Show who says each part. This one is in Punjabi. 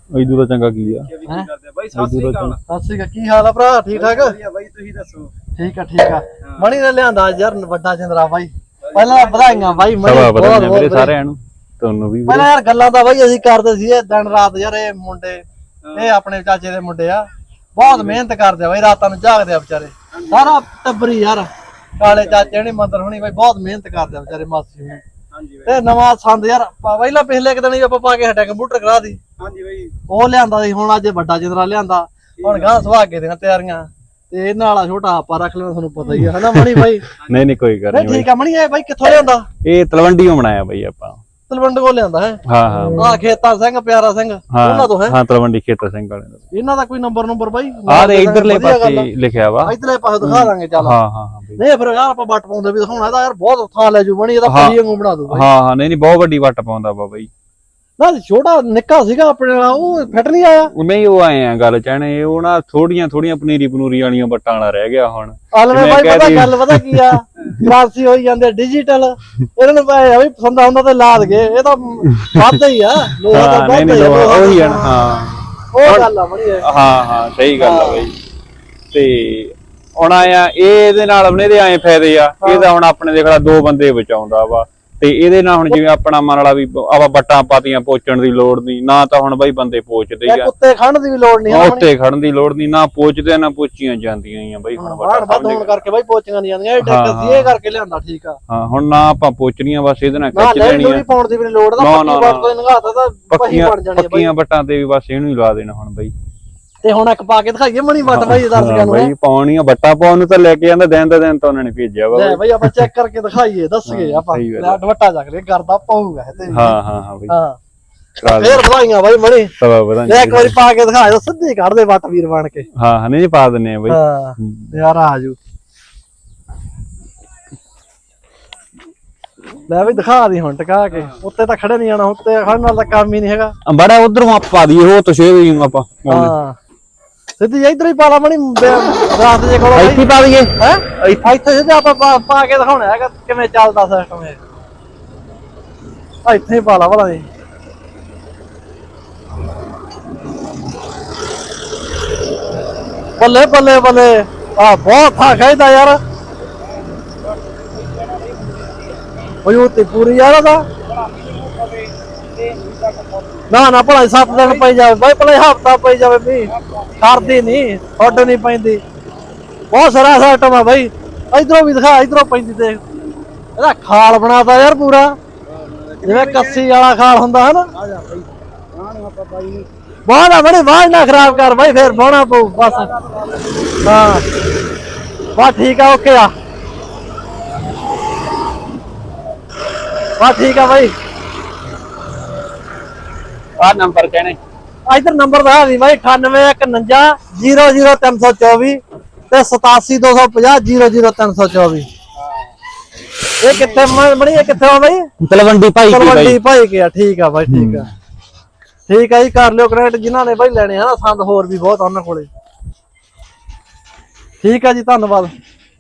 Speaker 1: ਇਦੂ ਦਾ ਚੰਗਾ ਕੀ ਆ
Speaker 2: ਬਾਈ ਸਤਿ ਸ੍ਰੀ ਅਕਾਲ ਕੀ ਹਾਲ ਆ ਭਰਾ ਠੀਕ ਠਾਕ
Speaker 3: ਵਧੀਆ ਬਾਈ ਤੁਸੀਂ ਦੱਸੋ
Speaker 2: ਠੀਕ ਆ ਮਣੀ ਨੇ ਲਿਆਂਦਾ ਯਾਰ ਵੱਡਾ ਜਿੰਦਰਾ ਬਾਈ ਪਹਿਲਾਂ ਵਧਾਈਆਂ ਬਾਈ
Speaker 1: ਮਣੀ ਬਹੁਤ ਮੇਰੇ ਸਾਰਿਆਂ ਨੂੰ ਤੁਹਾਨੂੰ ਵੀ
Speaker 2: ਪਹਿਲਾਂ ਯਾਰ ਗੱਲਾਂ ਤਾਂ ਬਾਈ ਅਸੀਂ ਕਰਦੇ ਸੀ ਦਿਨ ਰਾਤ ਯਾਰ ਇਹ ਮੁੰਡੇ ਇਹ ਆਪਣੇ ਚਾਚੇ ਦੇ ਮੁੰਡੇ ਆ ਬਹੁਤ ਮਿਹਨਤ ਕਰਦੇ ਆ ਬਾਈ ਰਾਤਾਂ ਨੂੰ ਜਾਗਦੇ ਆ ਵਿਚਾਰੇ ਸਾਰਾ ਟੱਬਰੀ ਯਾਰ ਕਾਲੇ ਚਾਚੇ ਨੇ ਮੰਦਰ ਹੋਣੀ ਬਾਈ ਬਹੁਤ ਮਿਹਨਤ ਕਰਦੇ ਆ ਵਿਚਾਰੇ ਮਾਸੀ ਨੂੰ ਤੇ ਨਵਾਂ ਸੰਦ ਯਾਰ ਪਹਿਲਾਂ ਪਿਛਲੇ ਇੱਕ ਦਿਨ ਹੀ ਆਪਾਂ ਪਾ ਕੇ ਹਟਿਆ ਕੰਪਿਊਟਰ ਕਰਾ ਦੀ
Speaker 3: ਹਾਂਜੀ ਬਾਈ
Speaker 2: ਉਹ ਲਿਆਂਦਾ ਸੀ ਹੁਣ ਅੱਜ ਵੱਡਾ ਜਿੰਦਰਾ ਲਿਆਂਦਾ ਹੁਣ ਗਾਂ ਸੁਹਾਗੇ ਦੀਆਂ ਤਿਆਰੀਆਂ ਤੇ ਇਹਨਾਂ ਵਾਲਾ ਛੋਟਾ ਆਪਾਂ ਰੱਖ ਲੈਣਾ ਤੁਹਾਨੂੰ ਪਤਾ ਹੀ ਆ ਹਨਾ ਮਣੀ ਬਾਈ
Speaker 1: ਨਹੀਂ ਕੋਈ ਗੱਲ ਨਹੀਂ
Speaker 2: ਠੀਕ ਆ ਮਣੀ ਇਹ ਬਾਈ ਕਿੱਥੋਂ ਲਿਆਂਦਾ
Speaker 1: ਇਹ ਤਲਵੰਡੀੋਂ ਬਣਾਇਆ ਬਾਈ ਆਪਾਂ
Speaker 2: ਤਲਵੰਡ ਕੋਲ ਲਿਆਂਦਾ ਹੈ
Speaker 1: ਹਾਂ
Speaker 2: ਆ ਖੇਤਾ ਸਿੰਘ ਪਿਆਰਾ ਸਿੰਘ ਉਹਨਾਂ ਤੋਂ ਹੈ
Speaker 1: ਹਾਂ ਤਲਵੰਡੀ ਖੇਤਾ ਸਿੰਘ ਵਾਲੇ ਦਾ
Speaker 2: ਇਹਨਾਂ ਦਾ ਕੋਈ ਨੰਬਰ ਬਾਈ
Speaker 1: ਆ ਦੇ ਇਧਰਲੇ ਪਾਸੇ ਲਿਖਿਆ ਵਾ
Speaker 2: ਇਧਰਲੇ ਪਾਸੇ ਦਿਖਾ ਦਾਂਗੇ ਚੱਲ
Speaker 1: ਹਾਂ
Speaker 2: ਨਹੀਂ ਫਿਰ ਯਾਰ ਆਪਾਂ ਵੱਟ ਪਾਉਂਦੇ ਵੀ ਦਿਖਾਉਣਾ ਇਹਦਾ ਯਾਰ ਬਹੁਤ ਥਾਂ ਲੈ ਜੂ ਬਣੀ ਇਹਦਾ ਪਰੀ ਵਾਂਗੂ ਬਣਾ ਦੂ ਬਾਈ
Speaker 1: ਹਾਂ ਨਹੀਂ ਬਹੁਤ ਵੱਡੀ ਵੱਟ ਪਾਉਂਦਾ ਵਾ ਬਾਈ
Speaker 2: ਨਾ ਛੋਟਾ ਨਿੱਕਾ ਸੀਗਾ ਆਪਣੇ ਨਾਲ ਉਹ ਫਿੱਟ ਨਹੀਂ ਆਇਆ
Speaker 1: ਨਹੀਂ ਉਹ ਆਏ ਆ ਗੱਲ ਚਾਹਣੇ ਉਹ ਨਾ ਥੋੜੀਆਂ ਪਨੀਰੀ ਵਾਲੀਆਂ ਵੱਟਾਂ ਵਾਲਾ ਰਹਿ ਗਿਆ ਹੁਣ
Speaker 2: ਆਲਵੇਂ ਬਾਈ ਪਤਾ ਗੱਲ ਪਤਾ ਕੀ ਆ ਕ੍ਰਾਂਤੀ ਹੋਈ ਜਾਂਦੇ ਡਿਜੀਟਲ ਇਹਨਾਂ ਨੂੰ ਭਾਵੇਂ ਵੀ ਪਸੰਦ ਆਉਂਦਾ ਤੇ ਲਾ ਦਗੇ ਇਹ ਤਾਂ ਵੱਧ ਹੀ ਆ ਲੋਹਾ ਤਾਂ ਵੱਧ ਹੀ ਆ
Speaker 1: ਉਹੀ ਆ ਹਾਂ
Speaker 2: ਉਹ ਗੱਲ ਆ ਬਣੀ
Speaker 1: ਹਾਂ ਸਹੀ ਗੱਲ ਆ ਬਾਈ ਤੇ ਹੁਣ ਆਇਆ ਇਹਦੇ ਨਾਲ ਇਹਦੇ ਆਏ ਫਾਇਦੇ ਆ ਇਹਦਾ ਹੁਣ ਆਪਣੇ ਦੇਖ ਲਾ 2 ਬੰਦੇ ਬਚਾਉਂਦਾ ਵਾ ਤੇ ਇਹਦੇ ਨਾਲ ਹੁਣ ਜਿਵੇਂ ਆਪਣਾ ਮਨ ਵਾਲਾ ਵੀ ਆਪਾਂ ਬੱਟਾਂ ਪਾਤੀਆਂ ਪੋਚਣ ਦੀ ਲੋੜ ਨਹੀਂ ਨਾ ਤਾਂ ਹੁਣ ਬਾਈ ਬੰਦੇ ਪੋਚਦੇ ਆ
Speaker 2: ਕੁੱਤੇ ਖੜਨ ਦੀ ਵੀ ਲੋੜ ਨਹੀਂ
Speaker 1: ਉੱਤੇ ਖੜਨ ਦੀ ਲੋੜ ਨਹੀਂ ਨਾ ਪੋਚਦੇ ਨਾ ਪੋਚੀਆਂ ਜਾਂਦੀਆਂ ਆ ਬਾਈ ਹੁਣ
Speaker 2: ਵੱਧ ਹੋਣ ਕਰਕੇ ਬਾਈ ਪੋਚੀਆਂ ਨਹੀਂ ਜਾਂਦੀਆਂ ਇਹ ਟੈਕ ਸੀ ਇਹ ਕਰਕੇ ਲਿਆਂਦਾ ਠੀਕ ਆ
Speaker 1: ਹਾਂ ਹੁਣ ਨਾ ਆਪਾਂ ਪੋਚਣੀਆਂ ਬਸ ਇਹਦੇ ਨਾਲ ਖਿੱਚ ਲੈਣੀਆਂ
Speaker 2: ਪਾਉਣ ਦੀ ਵੀ ਲੋੜ ਦਾ ਪੱਕੀ ਵੱਟ ਤੋਂ ਨਗਾਤਾ ਤਾਂ ਪਹੀ ਬਣ ਜਾਣੀ ਬਾਈ
Speaker 1: ਪੱਕੀਆਂ ਬੱਟਾਂ ਤੇ ਵੀ ਬਸ ਇਹਨੂੰ ਹੀ ਲਾ ਦੇਣਾ ਹੁਣ ਬਾਈ
Speaker 2: ਤੇ ਹੁਣ ਇੱਕ ਪਾ ਕੇ ਦਿਖਾਈਏ ਮਣੀ ਵੱਟ ਬਾਈ ਦਰਸ਼ਕਾਂ ਨੂੰ
Speaker 1: ਬਾਈ ਪਾਉਣੀਆਂ ਬੱਟਾਂ ਪਾਉਣ ਨੂੰ ਤਾਂ ਲੈ ਕੇ ਜਾਂਦਾ ਦਿਨ ਦਾ ਦਿਨ ਤਾਂ ਉਹਨਾਂ ਨੇ ਭੇਜਿਆ ਵਾ
Speaker 2: ਲੈ ਬਾਈ ਆਪਾਂ ਚੈੱਕ ਕਰਕੇ ਦਿਖਾਈਏ ਦੱਸਗੇ ਆਪਾਂ ਲੈ ਦੁਪੱਟਾ ਚੱਕ ਲੈ ਕਰਦਾ ਪਾਊਗਾ ਤੇ
Speaker 1: ਹਾਂ ਬਾਈ
Speaker 2: ਹਾਂ ਫੇਰ ਵਧਾਈਆਂ ਬਾਈ ਮਣੀ
Speaker 1: ਸਵਾ ਵਧਾਈਆਂ
Speaker 2: ਇੱਕ ਵਾਰੀ ਪਾ ਕੇ ਦਿਖਾ ਦੋ ਸਿੱਧੀ ਕੱਢ ਦੇ ਵੱਟ ਵੀਰ ਬਣ ਕੇ
Speaker 1: ਹਾਂ ਨਹੀਂ ਪਾ ਦਿੰਨੇ ਆ ਬਾਈ
Speaker 2: ਹਾਂ ਯਾਰ ਆਜੂ ਲੈ ਵੀ ਦਿਖਾ ਦੀ ਹੁਣ ਟਕਾ ਕੇ ਉੱਤੇ ਤਾਂ ਖੜੇ ਨਹੀਂ ਜਾਣਾ ਉੱਤੇ ਖੜਨ ਨਾਲ ਤਾਂ ਕੰਮ ਹੀ ਨਹੀਂ ਹੈਗਾ
Speaker 1: ਬੜਾ ਉਧਰੋਂ ਆਪਾਂ ਦੀ ਉਹ ਤੋਂ ਸ਼ੇਰ ਵੀ ਆਪਾਂ
Speaker 2: ਹਾਂ ਸਿੱਧੀ ਇਧਰ ਹੀ ਪਾ ਲਾ ਮਣੀ ਰਾਤ ਜੇ ਕੋਲ
Speaker 1: ਇੱਥੇ ਪਾ ਦਈਏ
Speaker 2: ਹੈ ਇੱਥੇ ਸਿੱਧਾ ਆਪਾਂ ਪਾ ਕੇ ਦਿਖਾਉਣਾ ਹੈਗਾ ਕਿਵੇਂ ਚੱਲਦਾ ਸਿਸਟਮ ਇਹ ਇੱਥੇ ਹੀ ਪਾ ਲਾ ਭਲਾ ਜੀ ਬੱਲੇ ਬੱਲੇ ਬੱਲੇ ਆ ਬਹੁਤ ਥਾ ਖਾਇਦਾ ਯਾਰ ਉਹ ਤੇ ਪੂਰੀ ਯਾਰ ਦਾ ਨਾ ਭਲਾ 7 ਦਿਨ ਪਈ ਜਾਵੇ ਬਾਈ ਭਲਾ ਹਫਤਾ ਪਈ ਜਾਵੇ ਵੀ ਕਰਦੀ ਨਹੀਂ ਹੱਡ ਨਹੀਂ ਪੈਂਦੀ ਬਹੁਤ ਸਾਰਾ ਸਿਸਟਮ ਆ ਬਾਈ ਇਧਰੋਂ ਵੀ ਦਿਖਾ ਇਧਰੋਂ ਪੈਂਦੀ ਤੇ ਇਹਦਾ ਖਾਲ ਬਣਾਤਾ ਯਾਰ ਪੂਰਾ ਜਿਵੇਂ ਕੱਸੀ ਵਾਲਾ ਖਾਲ ਹੁੰਦਾ ਹਨਾ ਬਾਹਰ ਆ ਬੜੀ ਬਾਹਰ ਨਾ ਖਰਾਬ ਕਰ ਬਾਈ ਫੇਰ ਬਾਹਣਾ ਪਊ ਬਸ ਹਾਂ ਬਸ ਠੀਕ ਆ ਓਕੇ ਆ ਬਸ ਠੀਕ ਆ ਬਾਈ
Speaker 1: ਆ ਨੰਬਰ ਕਹਿਣੇ
Speaker 2: ਇਧਰ ਨੰਬਰ ਦਾ ਦੀ ਬਾਈ 9859000324 ਤੇ 8725000324 ਇਹ ਕਿੱਥੇ ਬਣੀ ਇਹ ਕਿੱਥੇ ਆ ਬਾਈ
Speaker 1: ਤਲਵੰਡੀ ਭਾਈ
Speaker 2: ਕੇ ਆ ਠੀਕ ਆ ਬਾਈ ਠੀਕ ਆ ਜੀ ਕਰ ਲਿਓ ਕਨੈਕਟ ਜਿਨ੍ਹਾਂ ਨੇ ਬਾਈ ਲੈਣੇ ਆ ਨਾ ਸੰਦ ਹੋਰ ਵੀ ਬਹੁਤ ਉਹਨਾਂ ਕੋਲੇ ਠੀਕ ਆ ਜੀ ਧੰਨਵਾਦ।